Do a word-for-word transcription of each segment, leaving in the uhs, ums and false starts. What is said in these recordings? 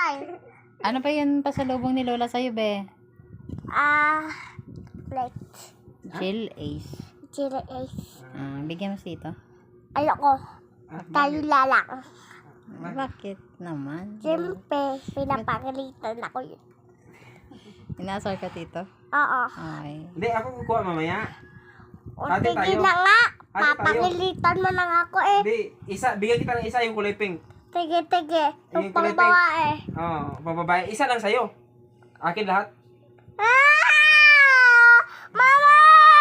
tay. Ano pa yun pasalubong ni Lola sa'yo, be? Ah, plate. Chill Ace. Chili ace. Ah, bigyan mo si ito. Ayoko. Tayo lalang. Bakit naman? Siyempre, pinapagalitan ako yun. Inasar ka, tito? Oo. Okay. Hindi, ako kukuha mamaya. O, Ate, sige tayo. na nga. Ate, tayo. Papagalitan mo na nga ako eh. Hindi, isa, bigyan kita ng isa yung kulay pink. Sige, sige. Yung Yung kulay pangbawa eh. Oo, oh, pababae. Isa lang sa'yo. Akin lahat. Ah! Mama!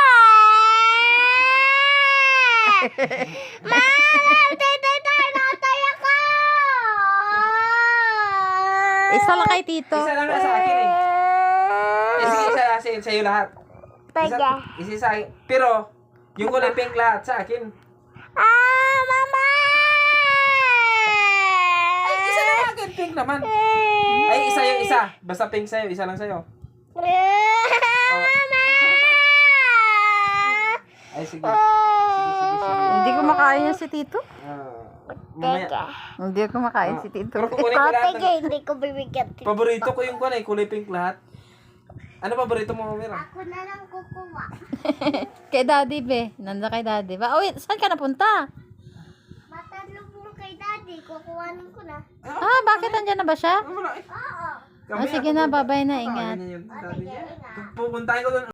Mama! Tay, tay, tay! Natay ako! Isa lang kay tito. Isa lang sa akin eh. Eh, sige, isa lang sa'yo, sa'yo lahat. Isa, Sige. isa sa akin. Pero, yung kulay pink lahat sa akin. Ah! Mama! Ay, isa lang akin. Pink naman. Ay, isa yung isa. Basta pink sa'yo. Isa lang sa'yo. Oh. Ay, sige. Sige, sige, sige. Hindi ko makain yan si tito. Ah, mamaya. Teka. Hindi ko makain si tito. Pero kukunin Ikaw, ko lahat. sige, ng- hindi ko bibigyan. Paborito ko yung kulay, kulay pink lahat. Ano paborito mo, Mira? Ako na lang kukuha. Kay daddy, be. Nanda kay daddy. Ba? Oh, wait, saan ka napunta? Matanong mo kay daddy, kukuhanin ko na. Ah, bakit andyan na ba siya? Wala eh. Oo. Ah, sige na, bye-bye na, ingat. Kakainin yun, Ah, sabi sige, niya. ingat. Pupuntahin ko doon.